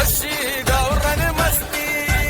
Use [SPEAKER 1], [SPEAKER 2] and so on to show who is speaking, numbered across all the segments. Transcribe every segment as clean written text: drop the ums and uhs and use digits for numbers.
[SPEAKER 1] अशी गावरान मस्ती.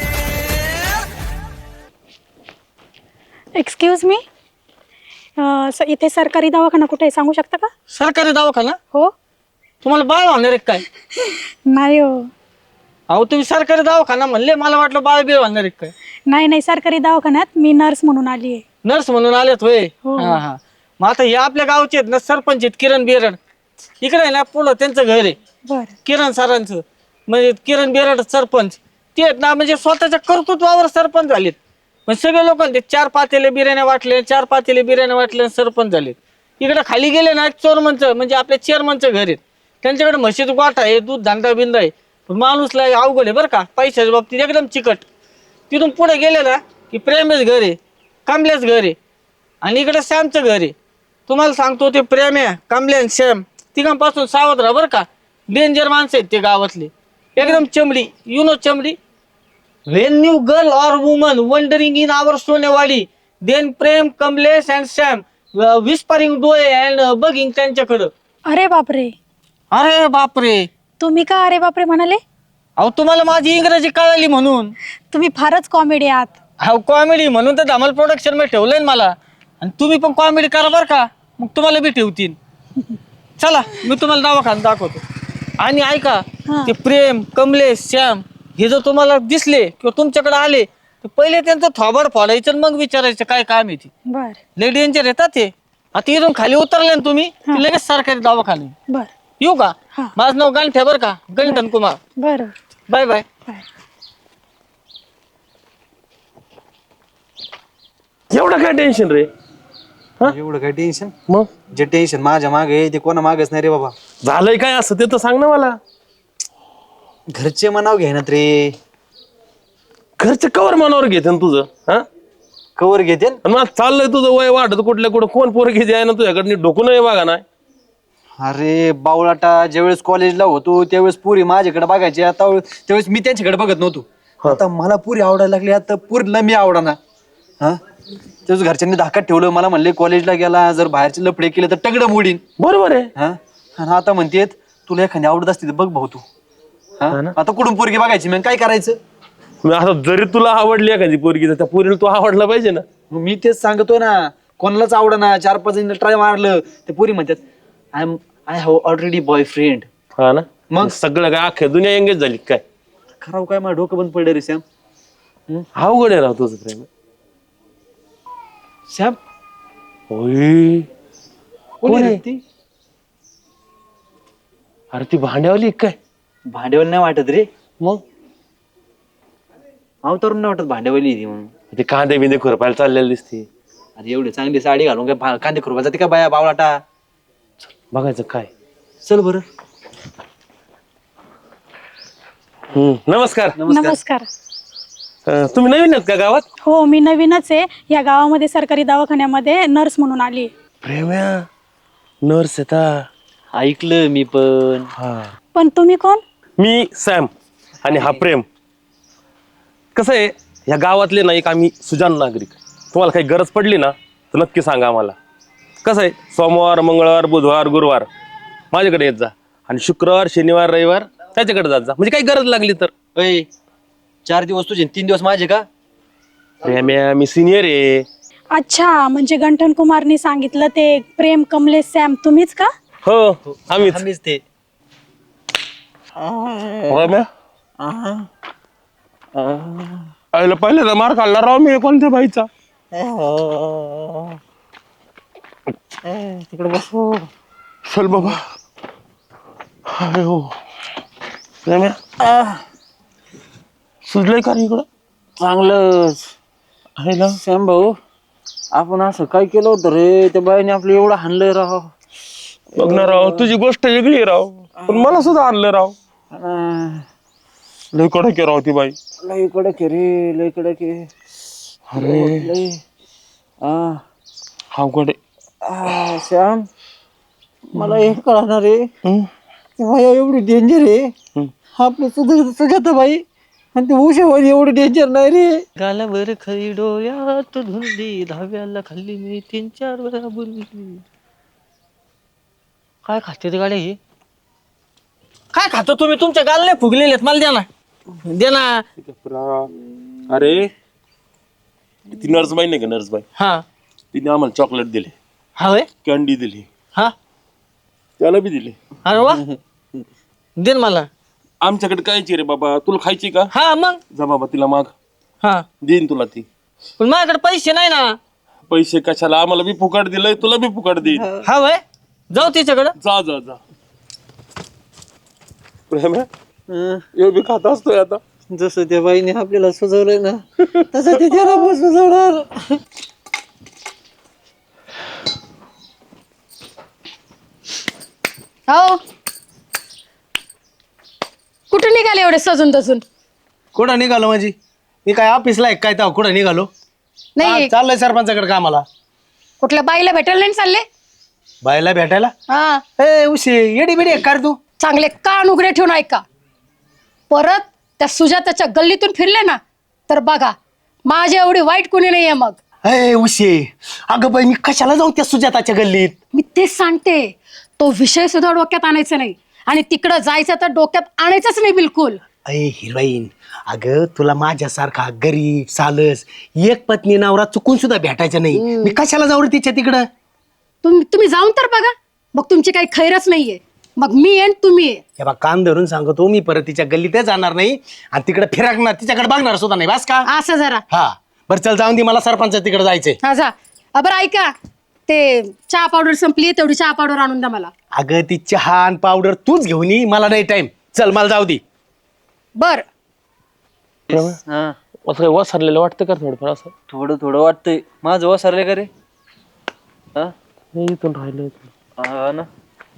[SPEAKER 2] एक्सक्यूज मी, इथे सरकारी दवाखाना कुठे आहे सांगू शकता का?
[SPEAKER 3] सरकारी दवाखाना?
[SPEAKER 2] हो.
[SPEAKER 3] तुम्हाला बाळ होणार आहे काय?
[SPEAKER 2] नाही हो.
[SPEAKER 3] अहो तुम्ही सरकारी दवाखाना म्हणले, मला वाटलं बाळ बीळ होणार आहे काय.
[SPEAKER 2] नाही, सरकारी दवाखान्यात मी नर्स म्हणून आली आहे.
[SPEAKER 3] नर्स म्हणून आलेत होय.
[SPEAKER 2] हो.
[SPEAKER 3] हा. मग आता हे आपल्या गावचे आहेत ना सरपंच आहेत किरण बेरड. इकडे आहे ना पुढं त्यांचं घर आहे
[SPEAKER 2] बर.
[SPEAKER 3] किरण सरांचं, म्हणजे किरण बेरड सरपंच ते आहेत ना, म्हणजे स्वतःच्या कर्तृत्वावर सरपंच झालेत. म्हणजे सगळे लोकांचे 4 पातेले बिर्याण्या वाटले, 4 पातेले बिर्याण्या वाटले, सरपंच झालेत. इकडे खाली गेले ना चोरमनचं म्हणजे आपल्या चेअरमनचं घर आहेत, त्यांच्याकडे म्हशीचं गोठा आहे, दूध धांडा बिंदा आहे. पण माणूसला अवघड आहे बरं का, पैशाच्या बाबतीत एकदम चिकट. तिथून पुढे गेले ना की प्रेमेश घर आहे, कमलेश घर आहे, आणि इकडे श्यामचं घर आहे. तुम्हाला सांगतो ते प्रेम्या, कमले आणि श्याम तिघांपासून सावध राहा बरं का. डेंजर माणसं आहेत ते गावातले, एकदम चमडी. यु नो चमडी. When you girl or woman wandering in our Sonewadi, then Prem, Kamlesh and Sam whispering doe and bugging त्यांच्याकडं.
[SPEAKER 2] अरे बापरे.
[SPEAKER 3] अरे बापरे.
[SPEAKER 2] तुम्ही का अरे बापरे म्हणाले?
[SPEAKER 3] अहो तुम्हाला माझी इंग्रजी कळाली म्हणून.
[SPEAKER 2] तुम्ही फारच कॉमेडी आहात.
[SPEAKER 3] अहो कॉमेडी म्हणून तर धमाल प्रोडक्शन मध्ये ठेवलंय ना मला. आणि तुम्ही पण कॉमेडी करा बरं का, मग तुम्हाला बी ठेवतील. चला मी तुम्हाला दवाखाना दाखवतो. आणि ऐका, ते प्रेम, कमलेश, श्याम हे जर तुम्हाला दिसले किंवा तुमच्याकडे आले तर पहिले त्यांचं थोबाड फोडायचं आणि मग विचारायचं काय काम आहे ती.
[SPEAKER 2] बर
[SPEAKER 3] लय डेंजर येतात ते. आता इथून खाली उतरले ना तुम्ही की लगेच सरकारी दवाखाने.
[SPEAKER 2] बर.
[SPEAKER 3] येऊ का?
[SPEAKER 2] हा.
[SPEAKER 3] माझं नाव गांठ्या बरं का, गंठन कुमार.
[SPEAKER 2] बर.
[SPEAKER 3] Bye bye.
[SPEAKER 4] एवढं काय टेन्शन रे?
[SPEAKER 5] एवढं काय टेन्शन?
[SPEAKER 4] मग
[SPEAKER 5] जे टेन्शन माझ्या मागे आहे ते कोणा मागच नाही रे बाबा.
[SPEAKER 4] झालंय काय असं ते तर सांग ना मला.
[SPEAKER 5] घरचे मनाव घेण्यात रे.
[SPEAKER 4] घरचे कवर मनावर घेते तुझं? हा,
[SPEAKER 5] कवर घेते.
[SPEAKER 4] आणि मग चाललंय तुझं वय वाढत कुठल्या कुठं, कोण पोरं घेते आहे ना तुझ्याकडे डोकून बघा ना.
[SPEAKER 5] अरे बावळाटा, ज्यावेळेस कॉलेजला होतो त्यावेळेस पुरी माझ्याकडे बघायची, आता त्यावेळेस मी त्यांच्याकडे बघत नव्हतो. आता मला पुरी आवडायला लागली, आता पुरीला मी आवडाना. हा, त्याच घरच्यांनी धाकात ठेवलं. मला म्हणले कॉलेजला गेला जर बाहेरचे लफडे केले तर टगडं मोडीन.
[SPEAKER 4] बरोबर आहे.
[SPEAKER 5] हा, आणि आता म्हणतेत तुला एखादी आवडत असते तर बघ भाऊ तू. हा, आता कुठून पोरगी बघायची मग काय करायचं?
[SPEAKER 4] मग आता जरी तुला आवडली एखादी पोरगी तर त्या पोरीला तू आवडला पाहिजे ना.
[SPEAKER 5] मग मी तेच सांगतोय ना, कोणालाच आवडना. 4-5 जण ट्राय मारलं ते पोरी म्हणतात आय हॅव ऑलरेडी बॉयफ्रेंड.
[SPEAKER 4] हा ना,
[SPEAKER 5] मग
[SPEAKER 4] सगळं काय अख्ख्या दुनिया एंगेज झाली काय?
[SPEAKER 5] खराब काय माझं डोकं बंद पडलं रे सॅम.
[SPEAKER 4] अवघड आहे राव तुझं प्रेम.
[SPEAKER 5] सॅम
[SPEAKER 4] होय,
[SPEAKER 5] कोण आहे ती?
[SPEAKER 4] अरे ती भांड्यावली काय?
[SPEAKER 5] भांडेवाली नाही वाटत रे.
[SPEAKER 4] मग
[SPEAKER 5] अवतारून नाही वाटत भांडेवाली ती म्हणून.
[SPEAKER 4] ते कांदे बिंदे खुरपायला चाललेली दिसते.
[SPEAKER 5] अरे एवढी चांगली साडी घालून काय कांदे खुरपा जाते का बाया बावळाटा?
[SPEAKER 4] बघायचं काय.
[SPEAKER 5] चल बरं.
[SPEAKER 4] नमस्कार.
[SPEAKER 2] नमस्कार.
[SPEAKER 4] तुम्ही नवीन आहेत का गावात?
[SPEAKER 2] हो, मी नवीनच आहे या गावामध्ये. सरकारी दवाखान्यामध्ये नर्स म्हणून आली.
[SPEAKER 4] प्रेम्या नर्स येता
[SPEAKER 5] ऐकलं मी पण.
[SPEAKER 4] हा,
[SPEAKER 2] पण तुम्ही कोण?
[SPEAKER 4] मी सॅम आणि हा प्रेम. कसं आहे, या गावातले ना एक आम्ही सुजाण नागरिक. तुम्हाला काही गरज पडली ना तर नक्की सांगा आम्हाला. कसं आहे, सोमवार, मंगळवार, बुधवार, गुरुवार माझ्याकडे येत जा, आणि शुक्रवार, शनिवार, रविवार त्याच्याकडे जात जा. म्हणजे काही गरज लागली तर.
[SPEAKER 5] 4 दिवस तुझे 3 दिवस माझे का?
[SPEAKER 4] प्रेम्या मी सिनियर आहे.
[SPEAKER 2] अच्छा, म्हणजे गंठन कुमारनी सांगितलं ते प्रेम, कमलेश, सॅम तुम्हीच का?
[SPEAKER 4] हो, आम्हीच.
[SPEAKER 5] आम्हीच ते.
[SPEAKER 4] प्रेम्या आईला पहिल्यांदा मार खाल्ला राव मी कोणत्या बाईचा.
[SPEAKER 5] तिकडे बसू.
[SPEAKER 4] चल बाबा. हो प्रेम्या सुजलंय का रे इकडं?
[SPEAKER 5] चांगलंच
[SPEAKER 4] आहे ना.
[SPEAKER 5] सॅम भाऊ, आपण असं काय केलं होतं रे? त्या बाईने आपलं एवढं हाणलंय राव.
[SPEAKER 4] बघ ना राव, तुझी गोष्ट वेगळी आहे राव, पण मला सुद्धा आणलं राव. लय कडक आहे राव ती बाई.
[SPEAKER 5] लय कडक आहे रे, लय कडक आहे.
[SPEAKER 4] अरे
[SPEAKER 5] लय.
[SPEAKER 4] अवघड आहे.
[SPEAKER 5] श्याम, मला हे कळणार रे, बाया एवढी डेंजर आहे. आपलं सुजाता बाई आणि ते उशावाली एवढी डेंजर नाही रे.
[SPEAKER 3] गालावर खरी डोळ्यात धुंदी, धाव्याला खाल्ली मी 3-4 वेळा बुरली. काय खाते ते गाड्या हे? काय खातो तुम्ही? तुमच्या गालने फुगलेले आहेत, मला द्या ना, दे ना.
[SPEAKER 4] अरे ती नर्सबाई नाही का नर्सबाई,
[SPEAKER 3] हा
[SPEAKER 4] तिने आम्हाला चॉकलेट दिले,
[SPEAKER 3] हा होय,
[SPEAKER 4] कॅन्डी दिली,
[SPEAKER 3] हा,
[SPEAKER 4] त्याला बी दिली.
[SPEAKER 3] अरे वा, दे ना मला.
[SPEAKER 4] आमच्याकडे कायची रे बाबा, तुला खायची का?
[SPEAKER 3] हा मग,
[SPEAKER 4] जा बाबा तिला माग,
[SPEAKER 3] हा,
[SPEAKER 4] देईन तुला ती.
[SPEAKER 3] पण माझ्याकडे पैसे नाही ना.
[SPEAKER 4] पैसे कशाला, आम्हाला बी फुकट दिलंय, तुला बी फुकट देईन.
[SPEAKER 3] हा होय, जाऊ तिच्याकडं.
[SPEAKER 4] जा जा जा. प्रेम हे बी खात असतोय आता.
[SPEAKER 5] जसं त्या बाईने आपल्याला सुचवलंय ना तसं ते त्याला पण सुचवणार.
[SPEAKER 6] हो कुठे निघाले एवढे सजून तजून?
[SPEAKER 5] कुठं निघालो माझी? मी काय ऑफिसला आहे काय तेव्हा कुठं निघालो?
[SPEAKER 6] नाही
[SPEAKER 5] चाललंय सरपंचाकडे कामाला.
[SPEAKER 6] कुठल्या बाईला भेटायला नाही चालले?
[SPEAKER 5] बायला भेटायला?
[SPEAKER 6] हा,
[SPEAKER 5] ए उशी येडी बिडी आहे का रे तू?
[SPEAKER 6] चांगले कान उघडे ठेवून ऐका. परत त्या सुजाताच्या गल्लीतून फिरले ना तर बघा माझ्या एवढी वाईट कोणी नाहीये. मग
[SPEAKER 5] ए उशी, अगं बाई मी कशाला जाऊ त्या सुजाताच्या गल्लीत?
[SPEAKER 6] मी तेच सांगते, तो विषय सुद्धा डोक्यात आणायचा नाही आणि तिकडं जायचं तर डोक्यात आणायचंच नाही बिलकुल.
[SPEAKER 7] अय हिरोईन, अगं तुला माझ्यासारखा गरीब सालस एक पत्नी नवरा चुकून सुद्धा भेटायचं नाही. मी कशाला जाऊ रे तिच्या तिकडं?
[SPEAKER 6] तुम्ही जाऊन तर बघा, मग तुमची काही खैरच नाहीये. मग मी येईन, तुम्ही ये.
[SPEAKER 7] हे बा कान धरून सांगतो, मी परत तिच्या गल्लीतच जाणार नाही आणि तिकडे फिरकणार, तिच्याकडे बघणार सुद्धा नाही. बस का?
[SPEAKER 6] असं जरा.
[SPEAKER 7] हा बरं चल जाऊन दे, मला सरपंच तिकडे जायचंय.
[SPEAKER 6] हा जा. बरं ऐका, ते चहा पावडर संपली, तेवढी चहा पावडर आणून द्या मला.
[SPEAKER 7] अगं ती चहा आणि पावडर तूच घेऊन ये, मला नाही टाइम. चल मला जाऊ दे.
[SPEAKER 6] बर
[SPEAKER 5] हा,
[SPEAKER 4] असं काय वसरलेलं वाटतं का थोडंफार असं?
[SPEAKER 5] थोडं थोडं वाटतंय. माझं वसरले का रे? हा?
[SPEAKER 4] इथून राहिलं
[SPEAKER 5] हा ना.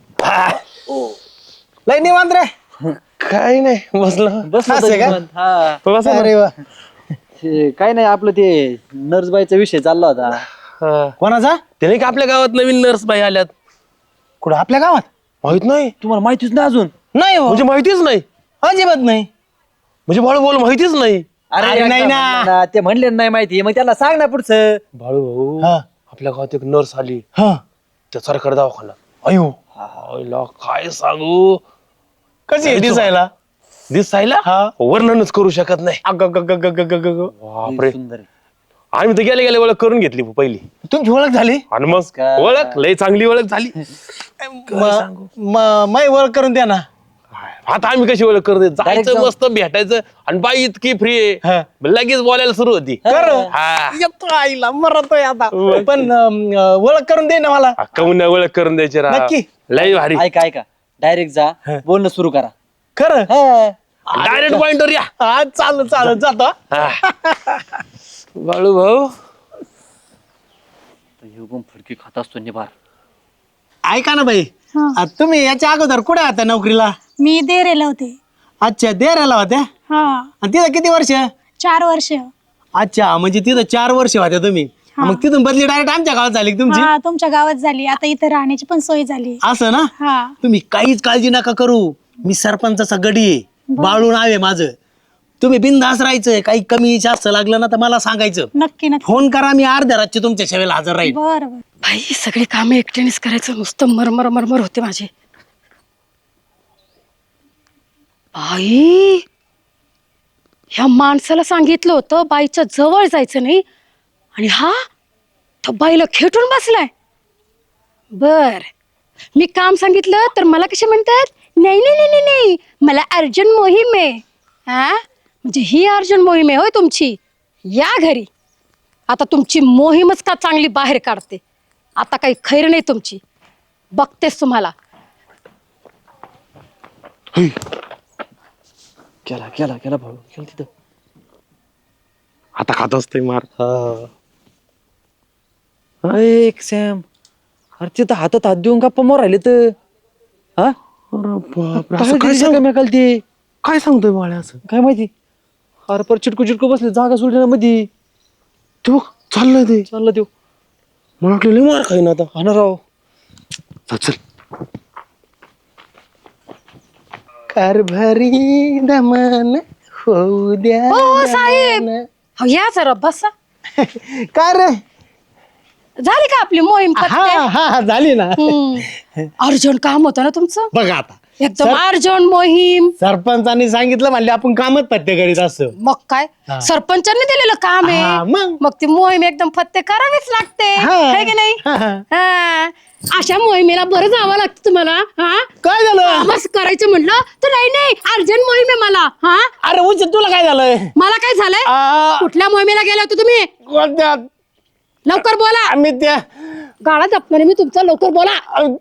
[SPEAKER 7] लय निवांत रे.
[SPEAKER 4] काय नाही बसलं.
[SPEAKER 5] बस
[SPEAKER 7] असं आहे का?
[SPEAKER 5] हा.
[SPEAKER 7] अरे वा.
[SPEAKER 5] ते काय नाही, आपलं ते नर्सबाईचा विषय चालला होता.
[SPEAKER 7] कोणाचा?
[SPEAKER 4] ते नाही का आपल्या गावात नवीन नर्स बाई आल्यात,
[SPEAKER 7] कुठं आपल्या गावात?
[SPEAKER 4] माहित नाही?
[SPEAKER 5] तुम्हाला माहितीच ना अजून?
[SPEAKER 7] नाही हो,
[SPEAKER 4] म्हणजे माहितीच नाही?
[SPEAKER 7] अजिबात नाही.
[SPEAKER 4] म्हणजे बाळू बोल माहितीच नाही?
[SPEAKER 7] अरे नाही
[SPEAKER 5] एकदा
[SPEAKER 7] ना.
[SPEAKER 5] म्हणलं ते म्हणले नाही माहिती, मग त्याला सांग ना पुढचं.
[SPEAKER 4] बाळू भाऊ,
[SPEAKER 7] हा
[SPEAKER 4] आपल्या गावात एक नर्स आली,
[SPEAKER 7] हा.
[SPEAKER 4] त्या सरकारी दवाखाना.
[SPEAKER 7] अयो
[SPEAKER 4] आईला काय सांगू,
[SPEAKER 7] कशी आहे दिसायला?
[SPEAKER 4] दिसायला वर्णनच करू शकत नाही. बापरे,
[SPEAKER 5] सुंदर आहे.
[SPEAKER 4] आम्ही तर गेले गेले ओळख करून घेतली पहिली,
[SPEAKER 7] तुमची ओळख झाली?
[SPEAKER 4] आणि मग ओळख लय चांगली ओळख झाली.
[SPEAKER 7] मै ओळख करून द्या ना.
[SPEAKER 4] आता आम्ही कशी ओळख करते, जायचं
[SPEAKER 5] जाऊ.
[SPEAKER 4] मस्त भेटायचं, आणि बाई इतकी फ्री
[SPEAKER 7] हा.
[SPEAKER 4] आहे, लगेच बोलायला सुरू होती. हा.
[SPEAKER 7] येतो आईला मरतोय आता. पण ओळख करून दे ना मला.
[SPEAKER 4] काऊन ओळख करून द्यायची राव.
[SPEAKER 7] नक्की.
[SPEAKER 4] लय भारी.
[SPEAKER 5] ऐका ऐका, डायरेक्ट जा, बोलणं सुरू करा.
[SPEAKER 7] खरं?
[SPEAKER 4] डायरेक्ट पॉइंटवर या.
[SPEAKER 7] हा चालू चालू जातो.
[SPEAKER 4] बाळू भाऊ,
[SPEAKER 5] फडकी खात असतो निभार.
[SPEAKER 7] ऐका ना बाई,
[SPEAKER 2] हा.
[SPEAKER 7] तुम्ही याच्या अगोदर कुठे होत्या नोकरीला?
[SPEAKER 2] मी देरेला होते.
[SPEAKER 7] अच्छा देराला होत्या?
[SPEAKER 2] हा,
[SPEAKER 7] आणि तिथं किती वर्ष?
[SPEAKER 2] 4 वर्ष.
[SPEAKER 7] अच्छा, म्हणजे तिथं 4 वर्ष होत्या तुम्ही. मग तिथून बदली डायरेक्ट आमच्या गावात झाली का तुमची?
[SPEAKER 2] हा, तुमच्या गावात झाली. आता इथं राहण्याची पण सोय झाली.
[SPEAKER 7] असं ना?
[SPEAKER 2] हा,
[SPEAKER 7] तुम्ही काहीच काळजी नका करू, मी सरपंचाचा गडी आहे, बाळू नाव आहे माझं. तुम्ही बिनधास्त राहायचं, काही कमी जास्त लागलं ना तर मला सांगायचं.
[SPEAKER 2] नक्की नक्की.
[SPEAKER 7] फोन करा, मी अर्ध्या रातची तुमच्या सेवेला हजर राहील.
[SPEAKER 2] बर बर.
[SPEAKER 6] भाई सगळी कामे एकट्यानेच करायचं, नुसतं मरमर मरमर होते माझे. बाई, ह्या माणसाला सांगितलं होतं बाईच्या जवळ जायचं नाही, आणि हा तो बाईला खेटून बसलाय. बर, मी काम सांगितलं तर मला कसे म्हणतात, नाही नाही नाही नाही, मला अर्जंट मोहीम आहे. हा, म्हणजे ही अर्जंट मोहीम आहे होय तुमची? या घरी, आता तुमची मोहीमच का चांगली बाहेर काढते. आता काही खैर नाही तुमची, बघतेस तुम्हाला.
[SPEAKER 5] केला केला केला भाऊ, केला तिथं.
[SPEAKER 4] आता खात असतोय मार.
[SPEAKER 5] एक सॅम, अरे तिथं हातात हात देऊन गप्पा मोर राहिले तर. हा, ते
[SPEAKER 4] काय सांगतोय बाळ्या असं?
[SPEAKER 5] काय माहिती. अरे पर चिटकू चिटकू बसले, जागा सोडली ना मध्ये.
[SPEAKER 4] तू चाललंय ते,
[SPEAKER 5] चाललं देऊ.
[SPEAKER 4] मला वाटलं लय मार खाईन आता.
[SPEAKER 5] हा ना राव.
[SPEAKER 4] चल
[SPEAKER 7] कारभारी दमन होऊ द्या.
[SPEAKER 6] ओ साहेब, हो या जरा बसा.
[SPEAKER 7] काय रे?
[SPEAKER 6] झाली का आपली मोहीम
[SPEAKER 7] हा
[SPEAKER 6] फत्ते?
[SPEAKER 7] हा झाली ना.
[SPEAKER 6] अर्जंट काम होतं ना तुमचं.
[SPEAKER 7] बघा आता
[SPEAKER 6] एकदम अर्जंट मोहीम.
[SPEAKER 7] सरपंचांनी सांगितलं म्हणले आपण कामच पत्ते करीत असतो.
[SPEAKER 6] मग काय सरपंचांनी दिलेलं काम
[SPEAKER 7] हा,
[SPEAKER 6] आहे.
[SPEAKER 7] मग?
[SPEAKER 6] मग ती मोहीम एकदम फत्ते करावीच लागते,
[SPEAKER 7] हा.
[SPEAKER 6] है की नाही?
[SPEAKER 7] हा, हा.
[SPEAKER 6] हा. अशा मोहिमेला बरं जावं लागतं तुम्हाला. हा
[SPEAKER 7] काय झालं?
[SPEAKER 6] बस करायचं म्हटलं तर नाही अर्जंट मोहीम आहे मला. हा
[SPEAKER 7] अरे उच तुला काय झालंय?
[SPEAKER 6] मला काय झालंय?
[SPEAKER 7] आ,
[SPEAKER 6] कुठल्या मोहिमेला गेले होते तुम्ही?
[SPEAKER 7] कोणत्या?
[SPEAKER 6] लवकर बोला.
[SPEAKER 7] आम्ही त्या
[SPEAKER 6] गाळा जपणार मी तुमचा, लवकर बोला.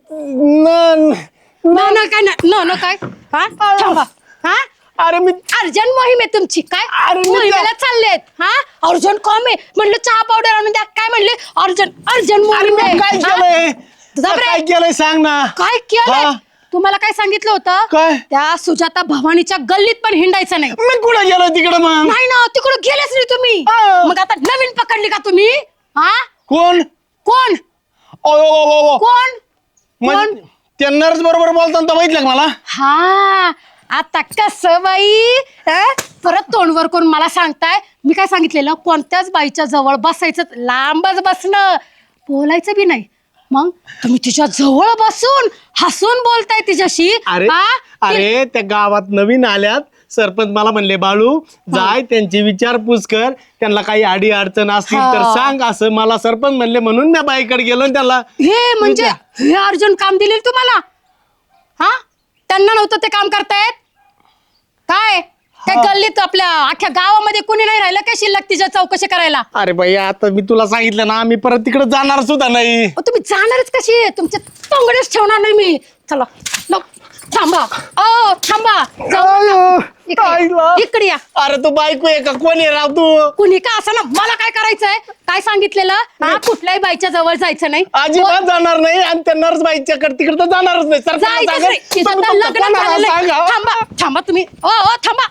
[SPEAKER 7] न-
[SPEAKER 6] न काय न काय? हा थांबा. हा
[SPEAKER 7] अरे मी
[SPEAKER 6] अर्जंट मोहीम आहे तुमची. काय
[SPEAKER 7] अरे मी
[SPEAKER 6] मोहिमेला चाललेत? हा अर्जंट कॉम आहे म्हणलं, चहा पावडर आणून द्या. काय म्हणले? अर्जंट अर्जंट
[SPEAKER 7] अरे
[SPEAKER 6] मोहीम
[SPEAKER 7] मी
[SPEAKER 6] आहे.
[SPEAKER 7] काय
[SPEAKER 6] हा?
[SPEAKER 7] केलंय?
[SPEAKER 6] तुझा ब्रेक.
[SPEAKER 7] काय केलंय सांग ना.
[SPEAKER 6] काय केलंय?
[SPEAKER 7] हा?
[SPEAKER 6] तुम्हाला काय सांगितलं होतं?
[SPEAKER 7] काय?
[SPEAKER 6] त्या सुजाता भवानीच्या गल्लीत पण हिंडायचं नाही.
[SPEAKER 7] मी कुठं गेलो तिकडं मग?
[SPEAKER 6] नाही ना, तिकडे गेलेच नाही तुम्ही.
[SPEAKER 7] हा.
[SPEAKER 6] मग आता नवीन पकडली का तुम्ही? हा
[SPEAKER 7] कोण?
[SPEAKER 6] कोण
[SPEAKER 7] ओ, ओ, ओ, ओ.
[SPEAKER 6] कोण कोण?
[SPEAKER 7] म्हणजे त्या नर्स बरोबर बोलताना बघितलं का मला?
[SPEAKER 6] हा आता कस बाई परत तोंडवर करून मला सांगताय. मी काय सांगितलेलं? कोणत्याच बाईच्या जवळ बसायचं, लांबच बसणं, बोलायचं बी नाही. मग तुम्ही तिच्या जवळ बसून हसून बोलताय तिच्याशी.
[SPEAKER 7] अरे
[SPEAKER 6] हा?
[SPEAKER 7] अरे त्या गावात नवीन आल्यात, सरपंच मला म्हणले बाळू जाय त्यांची विचारपूस कर, त्यांना काही अडी अडचण असतील तर
[SPEAKER 6] हा.
[SPEAKER 7] सांग, असं मला सरपंच म्हणले. म्हणून मी बाईकडे गेलो आणि त्याला
[SPEAKER 6] हे म्हणजे हे अर्जुन काम दिले तुम्हाला? हा त्यांना नव्हतं ते काम करतायत काय? त्या गल्लीत आपल्या अख्ख्या गावामध्ये कुणी नाही राहिलं काय शिल्लक तिच्या चौकशी करायला?
[SPEAKER 7] अरे बाई आता मी तुला सांगितलं ना, मी परत तिकडे जाणार सुद्धा नाही.
[SPEAKER 6] तुम्ही जाणारच कशी? तुमचे तोंगडेच ठेवणार नाही मी. चला थांबा. ओ थांबा. जाऊ नका. इकडे या.
[SPEAKER 7] अरे तू बायको आहे का? कोण आहे राव तू?
[SPEAKER 6] कुणी का असं ना, मला काय करायचंय? काय सांगितलेलं? हा कुठल्याही बाईच्या जवळ जायचं नाही.
[SPEAKER 7] अजिबात जाणार नाही, आणि त्या नर्स बाईच्याकडे तिकडे तर जाणारच नाही. सरपंचाला
[SPEAKER 6] जायचंच नाही. तिचं तर
[SPEAKER 7] सांगा.
[SPEAKER 6] लग्न
[SPEAKER 7] कोणाला
[SPEAKER 6] झालेलं आहे.
[SPEAKER 7] सांगा?
[SPEAKER 6] थांबा थांबा तुम्ही. ओ थांबा.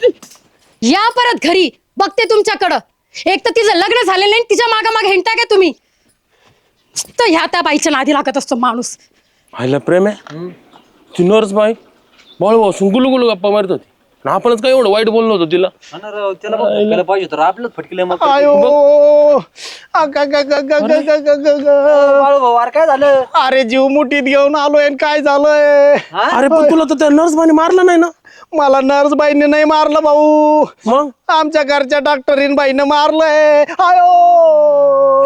[SPEAKER 6] या परत घरी, बघते तुमच्याकडं. एक तर तिचं लग्न झालेलं नाही, तिच्या मागे हिंडता का तुम्ही? तर ह्या त्या बाईच्या नादी लागत असतो माणूस.
[SPEAKER 4] व्हायला प्रेम आहे ती नर्स बाई बाळू भाऊ गुलू गुलू गप्पा मारत होती, आणि आपणच काय एवढं वाईट बोललो होतो तिला.
[SPEAKER 5] त्याला पाहिजे तर आपलंच फटकले मग.
[SPEAKER 7] आयो
[SPEAKER 5] बाळू भाऊ अरे काय झालं?
[SPEAKER 7] अरे जीव मुठीत घेऊन आलोय आणि काय झालंय?
[SPEAKER 4] अरे पण तुला तर त्या नर्स बाईने मारलं नाही ना?
[SPEAKER 7] मला नर्स बाईने नाही मारलं भाऊ,
[SPEAKER 4] मग
[SPEAKER 7] आमच्या घरच्या डॉक्टरीन बाईनं मारलंय. आयो